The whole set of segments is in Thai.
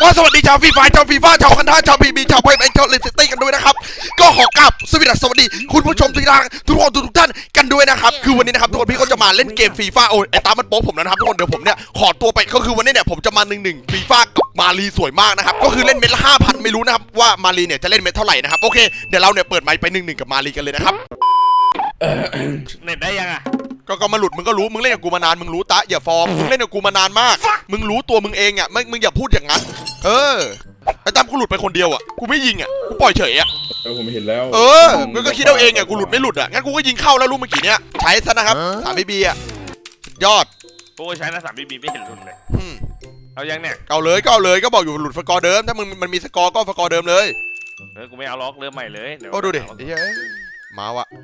สวัสดีชาวฟรีไฟชาวฟีฟ่าชาวคันท่าชาวพีบีชาวไพเอ็นชาวเลสตี้กันด้วยนะครับก็ขอกราบสวัสดีคุณผู้ชมทุกท่านกันด้วยนะครับคือวันนี้นะครับทุกคนพี่ก็จะมาเล่นเกมฟีฟ่าโอ้ยไอ้ตามันโป๊ผมแล้วนะครับทุกคนเดี๋ยวผมเนี่ยขอตัวไปก็คือวันนี้เนี่ยผมจะมา1-1ฟีฟ่ากับมารีสวยมากนะครับก็คือเล่นเม็ดละ 5,000 ไม่รู้นะครับว่ามารีเนี่ยจะเล่นเม็ดเท่าไหร่นะครับโอเคเดี๋ยวเราเนี่ยเปิดไมค์ไป1-1กับมารีกันเลยนะครับเน็ตได้ยังอ่ะก็มาหลุดมึงก็รู้มึงเล่นกับกูมานานมึงรู้ตะอย่าฟอร์มมึงเล่นกับกูมานานมากมึงรู้ตัวมึงเองอ่ะมึงอย่าพูดอย่างนั้นไอ้ตั้มกูหลุดไปคนเดียวอ่ะกูไม่ยิงอ่ะกูปล่อยเฉยอ่ะผมเห็นแล้วมึงก็คิดเอาเองอ่ะกูหลุดไม่หลุดอ่ะงั้นกูก็ยิงเข้าแล้วลูกเมื่อกี้เนี้ยใช้ซะนะครับ3 BB อ่ะยอดกูใช้นะ3 BB ไม่เห็นหลุดเลยเอายังเนี่ยเอาเลยก็บอกอยู่หลุดสกอร์เดิมถ้ามึงมันมีสกอร์ก็สกอร์เดิมเลยกูไม่เอาล็อกเริ่มใหม่เลยโอ้ดูดิไอ้เหี้ยมาวะ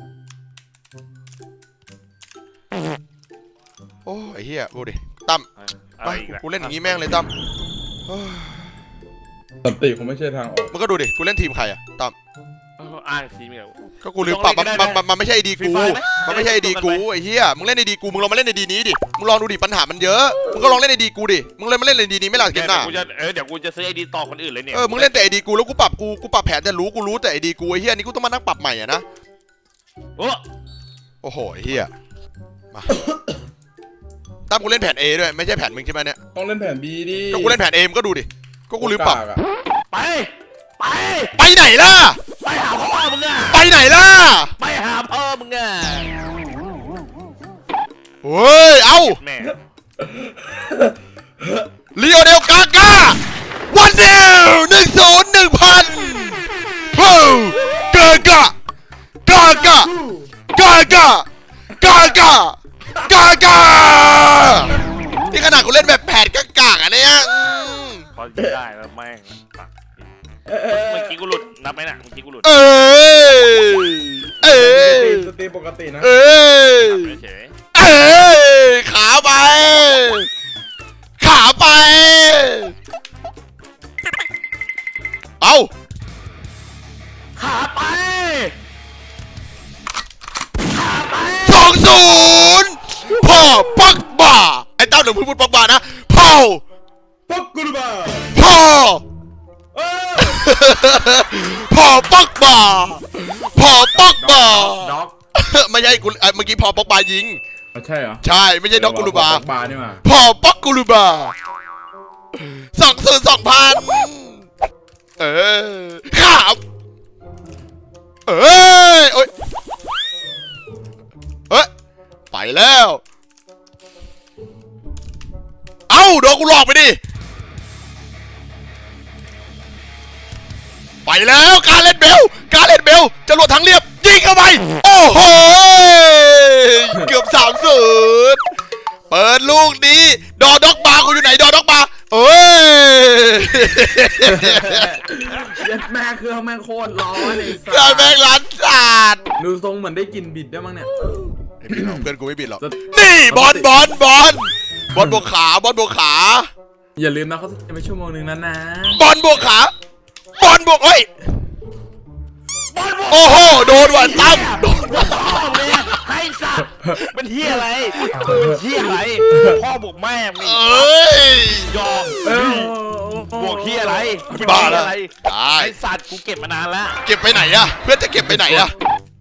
โอ้ไอ้เหี้ยดูดิตั้มไปกูเล่นอย่างงี้แม่งเลยตั้มสันติคงไม่ใช่ทางออกมึงก็ดูดิกูเล่นทีมใครอะตั้มอ้างทีมเหรอก็กูลืมปรับมันไม่ใช่ดีกูมันไม่ใช่ดีกูไอ้เหี้ยมึงเล่นในดีกูมึงลองมาเล่นในดีนี้ดิมึงลองดูดิปัญหามันเยอะมึงก็ลองเล่นในดีกูดิมึงเลยมาเล่นในดีนี้ไม่หลักเกมหน้าเดี๋ยวกูจะซื้อไอดีต่อคนอื่นเลยเนี่ยมึงเล่นแต่ไอดีกูแล้วกูปรับแผนจะกูรู้แต่ไอดีกูไอ้เหี้ยนี่กูต้องมานั่งปรับใหม่อะนะโอ้โหไอ้เหี้ยมาตั้มกูเล่นแผน A ด้วยไม่ใช่แผนมึงใช่ไหมเนี่ยต้องเล่นแผน B ดิก็กูเล่นแผน A มึงก็ดูดิก็กูลืมปรับไปไหนล่ะไปหาพ่อมึงอ่ะไปไหนล่ะไปหาพ่อมึงอ่ะเฮ้ยเอ้าลีโอเนลกาก้าวันเดียว1-0 1,000ฮู้กานี่ขนาดกูเล่นแบบแผนกากๆอ่ะเนี่ยพอได้แล้วแม่งเมื่อกี้กูหลุดนับไหมน่ะเมื่อกี้กูหลุดสตีปกตินะขาไปเอาขาไป 2-0พ่อปักบ่าไอ้เต้าเดี๋ยวพูดปักบ่านะพ่อปักกูบ้าพ่อปักบ่าไม่ใช่กูเมื่อกี้พ่อปักบ่ายิงใช่เหรอใช่ไม่ใช่ด็อกกูรูบาปักบ่านี่มาพ่อปักกูรูบา2-0 2,000ครับโอ๊ยไปแล้วเอ้าโดนกูหลอกไปดิไปแล้วการเล่นเบลจรวดทางเรียบยิงเข้าไปโอ้โหเกือบ3-0เปิดลูกนี้ดอด็อกบาร์กูอยู่ไหนดอด็อกบาร์แม่เครื่องแม่โคตรร้อนเลยแม่งร้านสาดดูทรงเหมือนได้กินบิดได้มั้งเนี่ยไม่บิดหรอกเพื่อนกูไม่บิดหรอกนี่บอลบวกขาอย่าลืมนะเขาจะไปชั่วโมงนึงนั้นนะบอลบวกขาบอลบวกโอ้โหโดนว่ะตั้มโดนว่ะให้สัตว์เป็นเหี้ยอะไรพ่อบวกแม่มึงยอมบวกเหี้ยอะไรบ้าแล้วไอ้สัตว์กูเก็บมานานแล้วเก็บไปไหนอะเพื่อนจะเก็บไปไหนอะ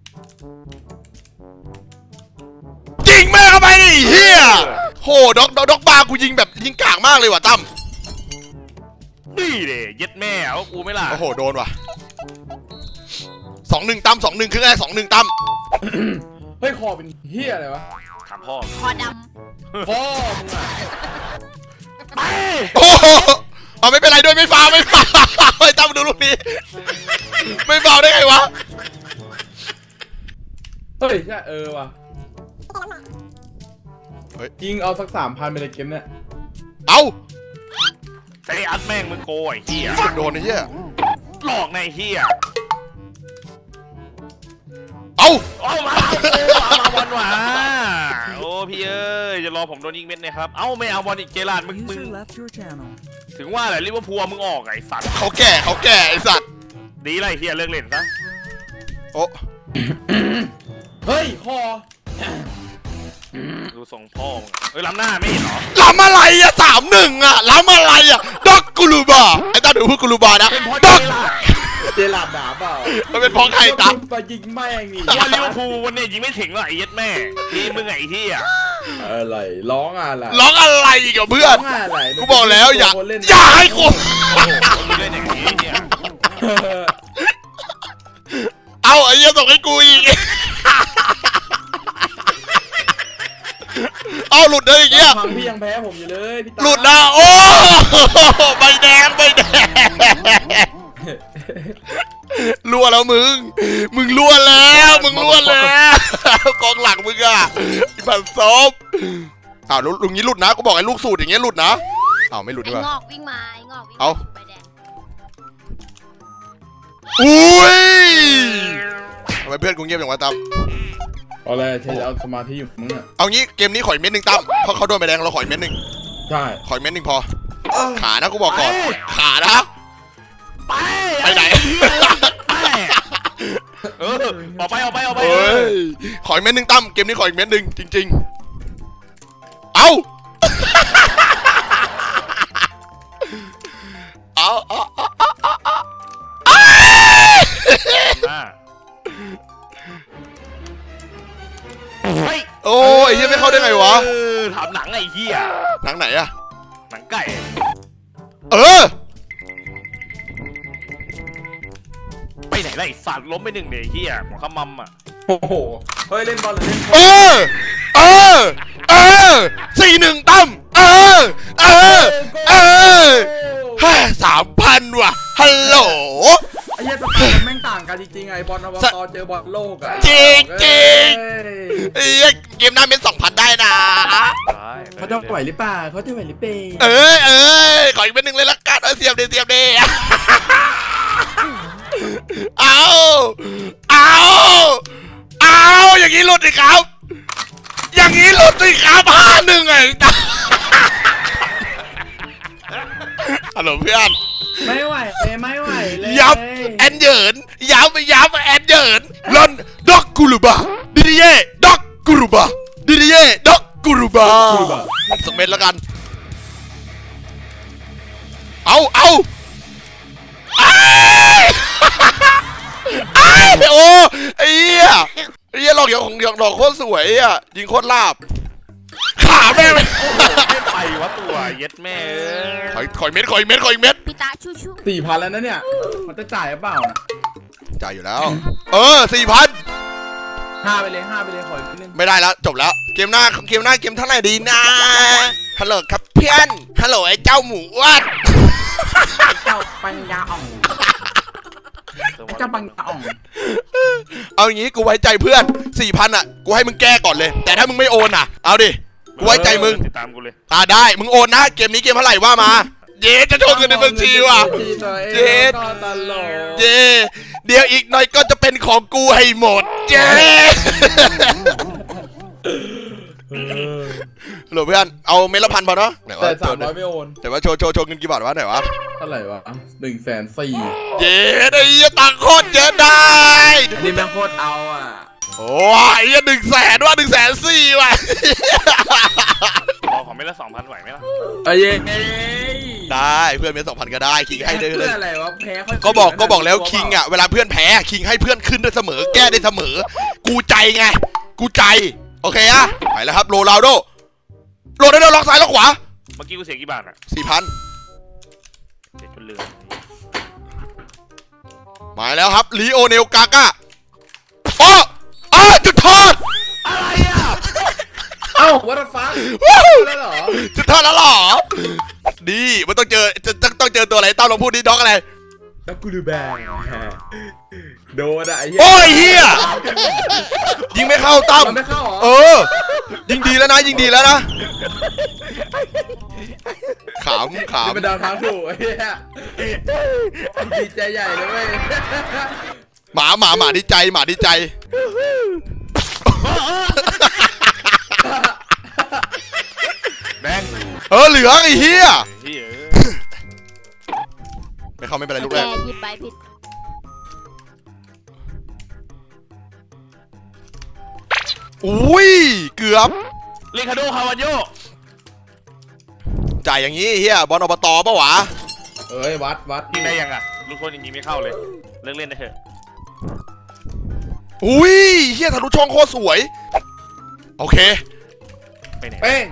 ยิงแม่เข้าไปดิเฮียโหด็อกบาร์กูยิงแบบยิงกากมากเลยว่ะตั้มนี่เด้เย็ดแม่เอากูไม่ล่ะโอ้โหโดนว่ะ2-1ตั้ม2-1ครึ่งแรก2-1ตั้มเฮ้ยคอเป็นเฮียอะไรวะถามพ่อคอดำพ่อมึงอะไปโอ้โหไม่เป็นไรด้วยไม่ฟาวไม่ตั้มดูลูกนี้ไม่ฟาวได้ไงวะเฮ้ยใช่ว่ะยิงเอาสัก 3,000ไปเลยเกมเนี่ยเอาใส่อัดแม่งมึงโกยเฮียโดนไอ้เฮียหลอกในเฮียเอามาบอลว่ะโอ้พี่เอ้ยจะรอผมโดนยิงเม็ดนะครับเอ้าไม่เอาบอลอีกเจลาดมึงถึงว่าแหละลิเวอร์พูลมึงออกไอ้สัตว์เขาแก่ไอ้สัตว์ดีไรเฮียเลิกเล่นซะโอ้เฮ้ยคอดูส่งพ่อล้ำหน้าไม่เห็นหรอล้ำอะไรอะ3-1อะล้ำอะไรอะด็อกโกกูรูบาไอ้ตาดูพูดกูรูบานะเป็นเพราะด็อกเจลาดหนาเปล่ามันเป็นเพราะใครตาไปยิงแม่งนี่ว่าลิเวอร์พูลวันนี้ยิงไม่ถึงหรอกไอ้เย็ดแม่ทีมึงไอ้เหี้ยอะไรร้องอะไรร้องอะไรอีกกับเพื่อนร้องอะไรกูบอกแล้วอย่าคนเล่นอย่าให้กูโอ้โหมึงเล่นอย่างนี้เนี่ยเอาไอ้เหี้ยส่งให้กูอีกเอาหลุดเลยอย่างเงี้ยฟังพี่ยังแพ้ผมอยู่เลยพี่ตาหลุดนะโอ้ใบแดงใบแดงรั่วแล้วมึงรั่วแล้วมึงรั่วแล้วกองหลังมึงอ่ะไอ้บันซบอ้าวลุงนี้หลุดนะกูบอกไอ้ลูกสูตรอย่างเงี้ยหลุดนะอ้าวไม่หลุดไอ้ดีกว่างอกวิ่งมาไอ้งอกวิ่งเอาใบแดงอุ้ยทำไมเพื่อนกูเงียบอย่างวะตั้มเอาเลยใช้เอาสมาธิอยู่มึงอ่ะเอางี้เกมนี้ขออีกเม็ดหนึ่งตั้มเพราะเขาโดนใบแดงเราขออีกเม็ดหนึ่งใช่ขออีกเม็ดหนึ่งพอขานะกูบอกก่อนขานะ ไปไหนไปเออออกไปเฮ้ยขออีกเม็ดหนึ่งตั้มเกมนี้ขออีกเม็ดหนึ่งจริงๆเอาโอ้ยเฮียไม่เข้าได้ไงวะถามหนังไอ้เหี้ยหนังไหนอะหนังไก่เออไปไหนล่ะไอ้สัตว์ล้มไปหนึ่งเดี๋ยวไอ้เหี้ยหัวขมำอ่ะโอ้โหเฮ้ยเล่นบอลหรือเล่นเออ4-1ตั้มเออ3,000 ว่ะฮัลโหลไอ้เหี้ยสไตล์มันแม่งต่างกันจริงๆไงบอลอบตเจอบอลโลกอะจริงเอ้ยเกมหน้าเป็น 2,000 ได้นะเขาจะไหวหรือเปล่าเขาจะไหวหรือเปล่าเออขออีกเป็นหนึ่งเลยละกันเสียบดิเอาอย่างนี้หลุดสิครับ อย่างนี้หลุดสิครับ5-1ไงตาฮัลโหลเพื่อนไม่ไหวเลยยับแอนเหยินยับแอนเหยินลอนด็อกกูรูบาดิดิเย่ด็อกกูรูบาดิดิเย่ด็อกกูรูบาสักเม็ดแล้วกันเอาไอ้โอ้ไอ้เหี้ยหลอกหลอกโคตรสวยอ่ะยิงโคตรลาบขาแม่งไม่ไปวะตัวเย็ดแม่เอ้ยขอยเม็ดพี่ตาชูชู 4,000แล้วนะเนี่ยมันจะจ่ายหรือเปล่านะจ่ายอยู่แล้ว 4,000 5ไปเลยขออีกนิดนึงไม่ได้แล้วจบแล้วเกมหน้าเกมเท่าไหร่ดีนะฮัลโหลครับเพื่อนฮัลโหลไอ้เจ้าหมูอ้วนเจ้าปัญญาอ่องเจ้าปัญญาอ่องเอาอย่างงี้กูไว้ใจเพื่อน 4,000 อ่ะกูให้มึงแก้ก่อนเลย แต่ถ้ามึงไม่โอนอ่ะเอาดิกูไว้ใจมึงติดตามกูเลยได้มึงโอนนะเกมนี้เกมเท่าไหร่ว่ามาเย้จะโชว์เงินในบัญชีว่ะ เจ็ดก็ตลกเย้เดี๋ยวอีกหน่อยก็จะเป็นของกูให้หมดเย้ฮัลโหลเพื่อนเอาเม็ดละ1,000พอเนาะไหนวะแต่300ไม่โอนแต่ว่าโชว์เงินกี่บาทวะไหนวะเท่าไหร่วะ104,000 เย้ไอ้เหี้ยตังค์โคตรเยอะได้นี่แม่งโคตรเอาอ่ะโอ้ย100,000ว่ะ104,000ว่ะรอของไม่ละ2,000ไหวไหมล่ะเย้ได้เพื่อนเป็น2,000ก็ได้คิงให้เลยเพื่ออะไรวะแพ้ค่อยก็บอกแล้วคิงอ่ะเวลาเพื่อนแพ้คิงให้เพื่อนขึ้นได้เสมอแก้ได้เสมอกูใจไงกูใจโอเคอะไปแล้วครับโรนัลโดล็อกซ้ายล็อกขวาเมื่อกี้กูเสียกี่บาทอ่ะ 4,000 เสียจนลืมมาแล้วครับลีโอเนลกาก้าจุดโทษอะไรอ่ะเอ้าวัตฟังแล้วเหรอจุดโทษแล้วหรอดีมันต้องเจอตัวอะไรต้าลองพูดดิด็อกอะไรแล้วกูดูแบงโดนอะไอ้เหี้ยโอ้ยเฮียยิงไม่เข้าตั้มมันไม่เข้าเหรอยิงดีแล้วนะขำนี่เป็นดาวทางถูกไอ้เหี้ยดีใจใหญ่เลยเว้ยหมาดีใจแบงเหลืองไอ้เฮียเฮ้ยไม่เข้าไม่เป็นไรลูกแกแรกหยิบไปผิดอุ้ยเกือบลิคาโดคาวาโยจ่ายอย่างนี้เฮียบอลอบตปะวะเอ้ยวัดยิงได้ยังอ่ะลูกโทษยิงไม่เข้าเลยเลิกเล่นได้เถอะอุ้ยเฮียทะลุช่องโคตรสวยโอเคไปไหนเป้ง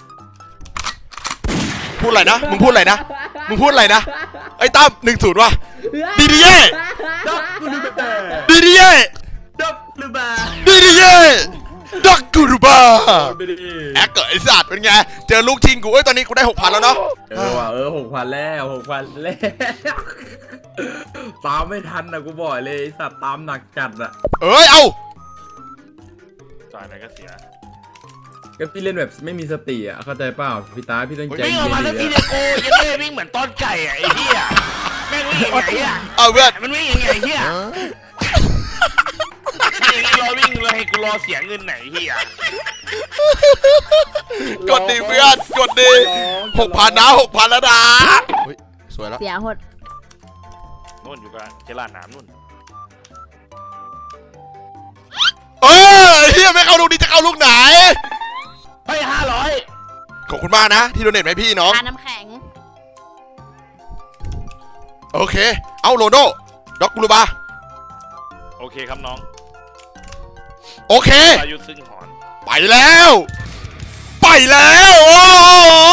พูดอะไรนะมึงพูดอะไรนะมึงพูดอะไรนะไอ้ตั้ม1-0ว่ะดีดีเย่ดับกูดูแบบดีดีเย่ดับหรือเปล่าดีดีเย่ดักกูรูบาไปดิแอคเกอร์ไอ้สัตว์เป็นไงเจอลูกชิงกูเอ้ยตอนนี้กูได้ 6,000แล้วเนาะว่ะ6,000แล้วตามไม่ทันนะกูบอกเลยไอ้สัตว์ตามหนักจัดอะเอ้ยเอาจ่ายอะไรก็เสียก็พี่เล่นแบบไม่มีสติอะเข้าใจเปล่าพี่ตาพี่ต้องใจวิ่งเย็ออกมาแล้วนทีๆเดียวกูยังไม่วิ่งเหมือนต้นไก่อ่ะไอ้เหี้ยแม่งวิ่งยังไงอ่ะเอาเพื่อนมันวิ่งยังไงเหี้ยวิ่งเลยให้กูรอเสียเงินไหนเหี้ยกดดิเพื่อนกดดิ6,000นะ6,000แล้วนะเฮ้ยสวยแล้วเสียหดนู่นอยู่กับเจลาดน้ำนู่นเออเฮียไม่เข้าลูกนี้จะเข้าลูกไหนไป500 ขอบคุณมากนะที่โดเนทให้พี่น้องทาน้ำแข็งโอเคเอาโรโดด็อกกูรูบาโอเคครับน้องโอเคอายุซึ่งหอนไปแล้วโอ้โห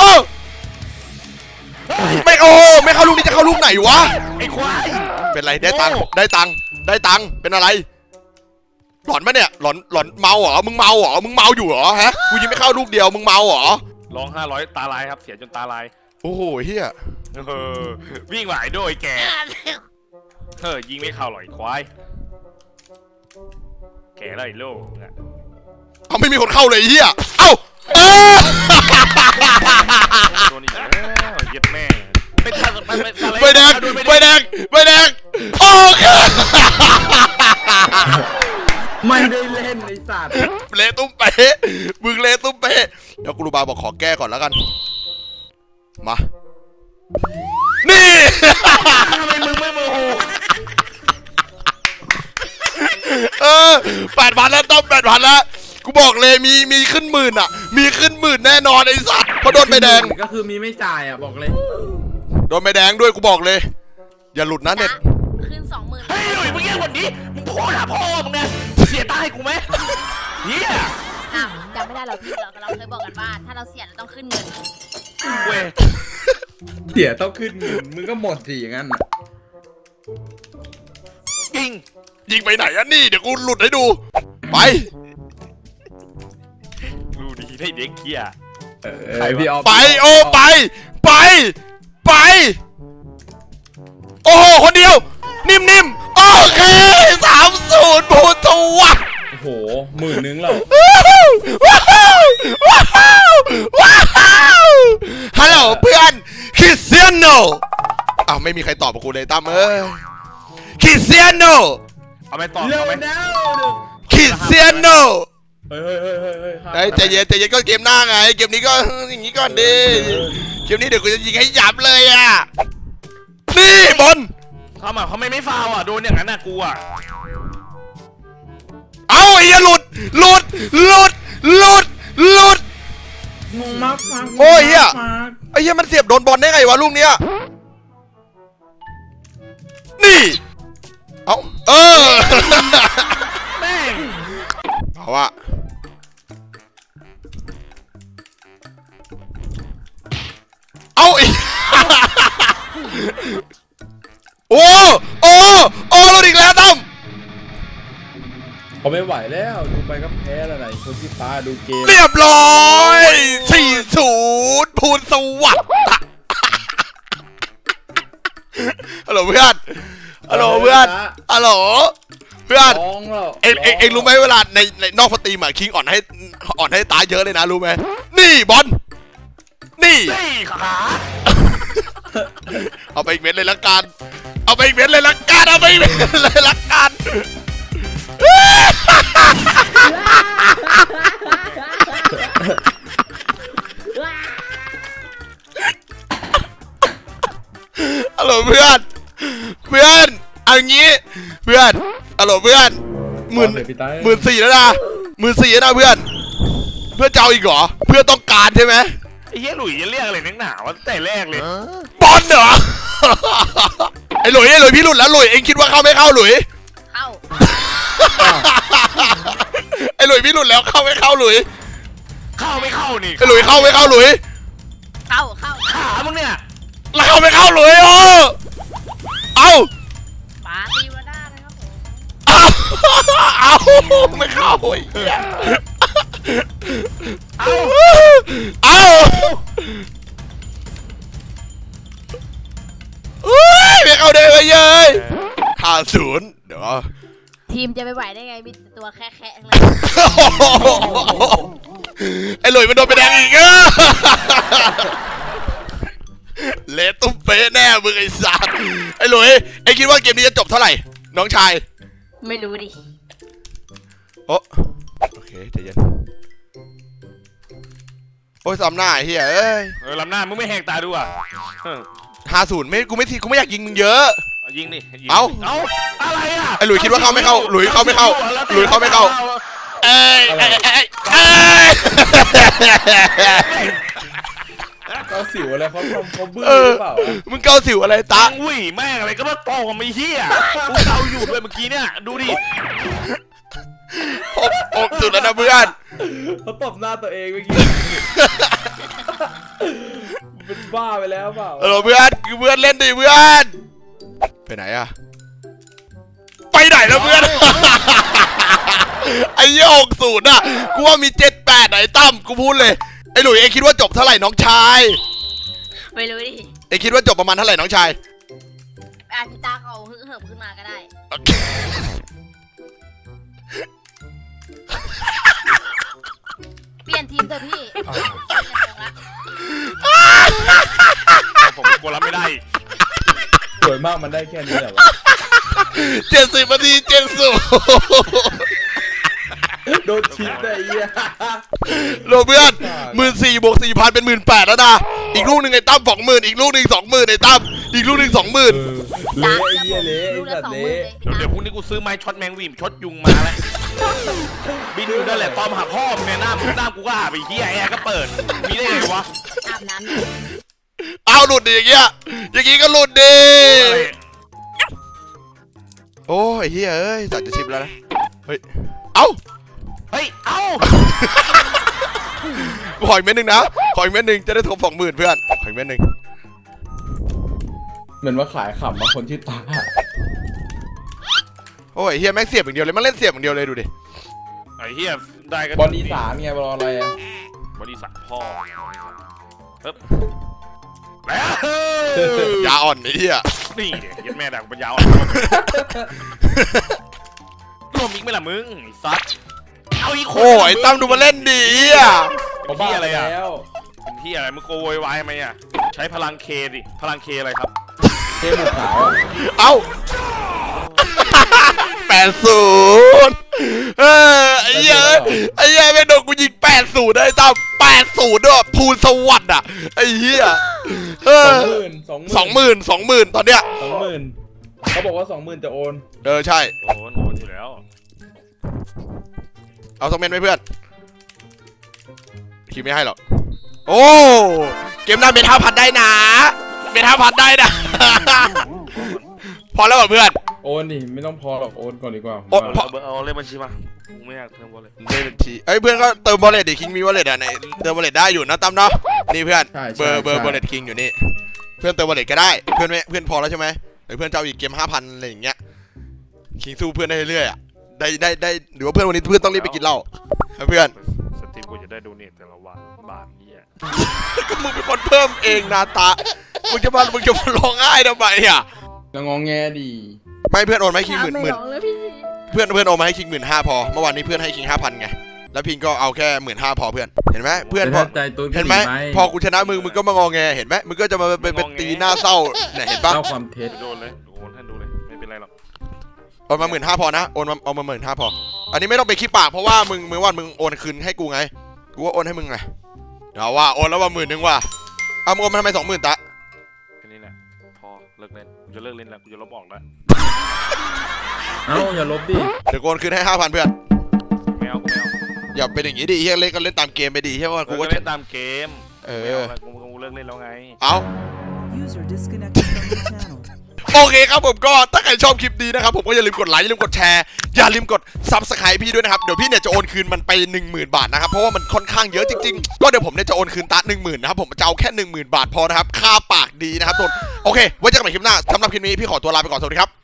ไม่โอ้ไม่เข้าลูกนี้จะเข้าลูกไหนวะไอ้ควายเป็นไรได้ตังค์เป็นอะไรหลอนปะเนี่ยหลอนเมาเหรอมึงเมาอยู่เหรอฮะกูยิงไม่เข้าลูกเดียวมึงเมาเหรอลอง500ตาลายครับเสียจนตาลายโอ้โหเฮียวิ่งไหวโดยแกยิงไม่เข้าหรอกไอ้ควายแกแล้วไอ้โล่เอาไม่มีคนเข้าเลยไอ้เฮียเอ้าเออโดนอีกแล้วเย็ดแม่ไปทำอะไรใบแดงโอเคไม่ได้เล่นไอ้สัตว์เละตุ้มเป๊ะมึงเละตุ้มเป๊ะเดี๋ยวกูรูบาบอกขอแก้ก่อนแล้วกันมานี่ทำไมมึงไม่โมโห 8,000แล้วต้อม8,000แล้วกูบอกเลยมีขึ้นหมื่นอ่ะมีขึ้นหมื่นแน่นอนไอ้สัสเพราะโดนใบแดงก็คือมีไม่จ่ายอ่ะบอกเลยโดนใบแดงด้วยกูบอกเลยอย่าหลุดนะเน็ตขึ้น 20,000 เฮ้ยหนุ่ยมึงแย่กว่านี้มึงพูดหาพ่อมึงนะเสียตาให้กูไหมเฮียอ้าวจำไม่ได้หรอกพี่เราเคยบอกกันว่า ถ้าเราเสียเราต้องขึ้นเงินเว้ยเสียต้องขึ้นเงินมึงก็หมดสิอย่างนั้นน่ะจริงยิงไปไหนอ่ะนี่เดี๋ยวกูหลุดให้ดูไปดูดีได้เด็กเฮียใครพี่ออฟไปโอ้ไปโอ้โหคนเดียวนิ่มโอเค3-0พูดตัวโอ้โห10,000แล้วฮัลโหลเพื่อนคริสเตียโนอ้าวไม่มีใครตอบกับกูเลยตั้มคริสเตียโนเอาไปต่อเร็วเอาไหมแล้วคริสเตียโนเฮ้ยไอ้ใจเย็นก็เกมหน้าไงเกมนี้ก็อย่างนี้ก่อนดิเกมนี้เดี๋ยวกูจะยิงให้ยับเลยอ่ะนี่บอลเขาไม่ฟาวอ่ะโดนอย่างนั้นน่ะกูอ่ะเอาไอ้เหี้ยหลุดงงมากโอ้ยเหี้ย ไอ้เหี้ยมันเสียบโดนบอลได้ไงวะลูกเนี้ยนี่เอาแม่งเอาอะเอาอีก โอ้หลุดอีกแล้วตั้มเขาไม่ไหวแล้วดูไปก็แพ้แล้วไหนคนที่ฟ้าดูเกมเรียบร้อย4-0พูนสวัสดิ์ฮัลโหลเพื่อนฮัลโหลเพื่อนเอ็งรู้ไหมเวลาในนอกสตรีมอะคิงอ่อนให้ตาเยอะเลยนะรู้ไหมนี่บอลนี่ขาเอาไปอีกเม็ดเลยละกันเอาไปอีกเม็ดเลยละกันฮัลโหลเพื่อนเอางี้เพื่อนฮัลโหลเพื่อน14,000แล้วนะ14,000แล้วนะเพื่อนจะเอาอีกเหรอเพื่อนต้องการใช่ไหมไอ้เหี้ยหลุยจะเรียกอะไรนักหนาวะตั้งแต่แรกเลยบอลเหรอไอ้หลุยพี่หลุดแล้วหลุยเองคิดว่าเข้าไม่เข้าหลุยเข้าไอ้หลุยพี่หลุดแล้วเข้าไม่เข้าหลุยเข้าไม่เข้านี่ไอ้หลุยเข้าไม่เข้าหลุยเข้าขามึงเนี่ยแล้วเข้าไม่เข้าหลุยโอ้เอาปาตีวาด้านะครับผมเอาไม่เข้าไอ้เหี้ยเอาเอาไม่เข้าได้เลย50เดี๋ยวทีมจะไปไหวได้ไงมีแต่ตัวแค่ๆทั้งนั้นไอ้หลุยมันโดนไปแดงอีกเละตุ้มเป๊ะแน่มึงไอ้สัสไอ้หลุยไอ้คิดว่าเกมนี้จะจบเท่าไหร่น้องชายไม่รู้ดิโอเคใจเย็นโอ้ยซ้ำหน้าไอ้เหี้ยเอ้ยลำหน้ามึงไม่แหกตาดูอ่ะ 50ไม่กูไม่อยากยิงมึงเยอะยิงดิเอาอะไรอ่ะไอ้หลุยคิดว่าเข้าไม่เข้าหลุยเข้าไม่เข้าหลุยเข้าไม่เข้าเอ้ยเกาสิวอะไรเขาบื้อหรือเปล่ามึงเกาสิวอะไรตาตังวิ่แม่งอะไรก็มาโตกับไม่เฮียกูเกาอยู่ด้วยเมื่อกี้เนี่ยดูดิอกสุดแล้วนะเพื่อนเขาตบหน้าตัวเองเมื่อกี้เป็นบ้าไปแล้วเปล่าเออเพื่อนคือเพื่อนเล่นดิเพื่อนไปไหนอะไปไหนแล้วเพื่อน ไอ้ยี่60อะกูว่ามี78ไหนตั้มกูพูดเลยไอ้หลุยเอ็งคิดว่าจบเท่าไหร่น้องชายไม่รู้ดิเอ็งคิดว่าจบประมาณเท่าไหร่น้องชายอาพี่ตาเขาฮึ่งเหิมขึ้นมาก็ได้ เปลี่ยนทีมเถอะพี่ผมกลัวรับไม่ได้สวยมากมันได้แค่นี้แหละวะ 70 นาทีโดนชิปได้ไอ้เหี้ยโลเพื่อน14,000 บวก 4,000 เป็น 18,000แล้วนะอีกลูกหนึ่งไอ้ตั้ม20,000อีกลูกหนึ่ง20,000ไอ้ตั้มอีกลูกหนึ่ง20,000 เละไอ้เหี้ยเละลูไอ้กละสัตว์ 20,000 เละเลยเดี๋ยวพรุ่งนี้กูซื้อไม้ช็อตแมงวีมช็อตยุงมาแล้วบินอยู่นั่นแหละตอมหาพ่อมึงเนี่ยหน้ากูก็หาไปเฮียแอร์ก็เปิดมีได้ไงวะอาบน้ำเอาหลุดดิอย่างเงี้ยอย่างงี้ก็หลุดดิ โอ้ยเฮ้ยเอ้ยจัดจะชิปแล้วนะเฮ้ยเอ้าเฮ้ยเอ้ากูขออีกเม็ดหนึ่งนะขออีกเม็ดหนึ่งจะได้ทบ20,000เพื่อนขออีกเม็ดหนึ่งเหมือนว่าขายขำมาคนที่ตาโอ้ยเฮียแม่งเสียบอย่างเดียวเลยมันเล่นเสียบอย่างเดียวเลยดูดิไอ้เฮียได้ก็บอลอีสานไงบอลอะไรอะบริษัทพ่อปึ๊บแล้วยาอ่อนไอ้เฮียนี่เดี๋ยวยัดแม่ดักปัญญาอ่อนรวมอีกไหมล่ะมึงไอ้ซัดเอาอีกคนโอ้ยไอ้ตั้มดูมาเล่นดิเฮียเขาบ้าไปแล้วเป็นที่อะไรมึงโกโวยวายไหมอ่ะใช้พลังเคดิพลังเคอะไรครับเทพบุกขาวเอ้า80ไอ้เหี้ยไอ้เหี้ยไม่โดนกูยิง80ได้ตั้ม80ด้วยภูลสวัสดิ์อ่ะไอ้เหี้ย20,000ตอนเนี้ย 20,000เขาบอกว่า20,000จะโอนใช่โอ้โหโอนอยู่แล้วเอา2 เม็ดไหมเพื่อนคิดไม่ให้หรอกโอ้เกมหน้าเม็ด5,000ได้นะเม็ด5,000ได้นะ พอแล้วเหรอเพื่อนโอนดิไม่ต้องพอหรอกโอนก่อนดีกว่าโอนเอาเลขบัญชีมากูไม่อยากเติมบอลเลยได้บัญชีเอ้ยเพื่อนก็เติมบอลเลตดิคิงมีบอลเลตอ่ะในเติมบอลเลตได้อยู่นะตั้มเนาะนี่เพื่อนเบอร์บอลเลตคิงอยู่นี่เพื่อนเติมบอลเลตก็ได้เพื่อนไม่เพื่อนพอแล้วใช่ไหมหรือเพื่อนจะเอาอีกเกม 5,000อะไรอย่างเงี้ยคิงสู้เพื่อนได้เรื่อยๆอ่ะได้หรือว่าเพื่อนวันนี้เพื่อนต้องรีบไปกินเหล้าเพื่อนสตรีมกูจะได้ดูเน็ตแต่ละวันบาทนี้อ่ะก็มึงเป็นคนเพิ่มเองนาตามึงจะมาร้องไห้ทำไมอ่ะจะงองแงดีไม่เพื่อนโอนมาให้คิงหมื่นไม่ร้องเลยพี่เพื่อนโอนมาให้คิง15,000พอเมื่อวานนี้เพื่อนให้คิง5,000ไงแล้วพิงก็เอาแค่15,000พอเพื่อนเห็นไหมเพื่อนพอใจตัวเห็นไหมพอกูชนะมึงก็มางอแงเห็นไหมมึงก็จะมาเป็นตีหน้าเศร้าเนี่ยเห็นปะเล่าความเท็จโดนเลยโอนให้ดูเลยไม่เป็นไรหรอกโอนมา15,000พอนะโอนมาเอามา15,000พออันนี้ไม่ต้องไปคิดปากเพราะว่ามึงว่ามึงโอนคืนให้กูไงกูก็โอนให้มึงไงเอาว่าโอนแล้วว่า10,000ว่ะเอามึงโอนมาทำไม20,000ตะแค่นี้แหละพอเลิกเล่นกูจะเลิกเล่นแล้วกูจะลบออกแล้วเอ้าอย่าลบดิเดี๋ยวกูโอนคืนให้ 5,000เพื่อนไม่เอากูไม่เอาอย่าเป็นอย่างนี้ดิเฮียเล่นก็เล่นตามเกมไปดิเฮียว่ากูกูก็ก็เล่นตามเกมเอไม่อเอาแล้วกูเลิกเล่นแล้วไงเอา User disconnected from your channel. โอเคครับผมก็ถ้าใครชอบคลิปนี้นะครับผมก็อย่าลืมกดไลค์อย่าลืมกดแชร์อย่าลืมกด Subscribe พี่ด้วยนะครับเดี๋ยวพี่เนี่ยจะโอนคืนมันไป 10,000 บาทนะครับเพราะว่ามันค่อนข้างเยอะจริงๆก็เดี๋ยวผมเนี่ยจะโอนคืนตา 10,000 นะครับผมจะเอาแค่ 10,000 บาทพอนะครับค่าปากดีนะครับทุกคนโอเคไว้เจอกันใหม่คลิปหน้าสำหรับคลิปนี้พี่ขอตัวลาไปก่อนสวัสดีครับ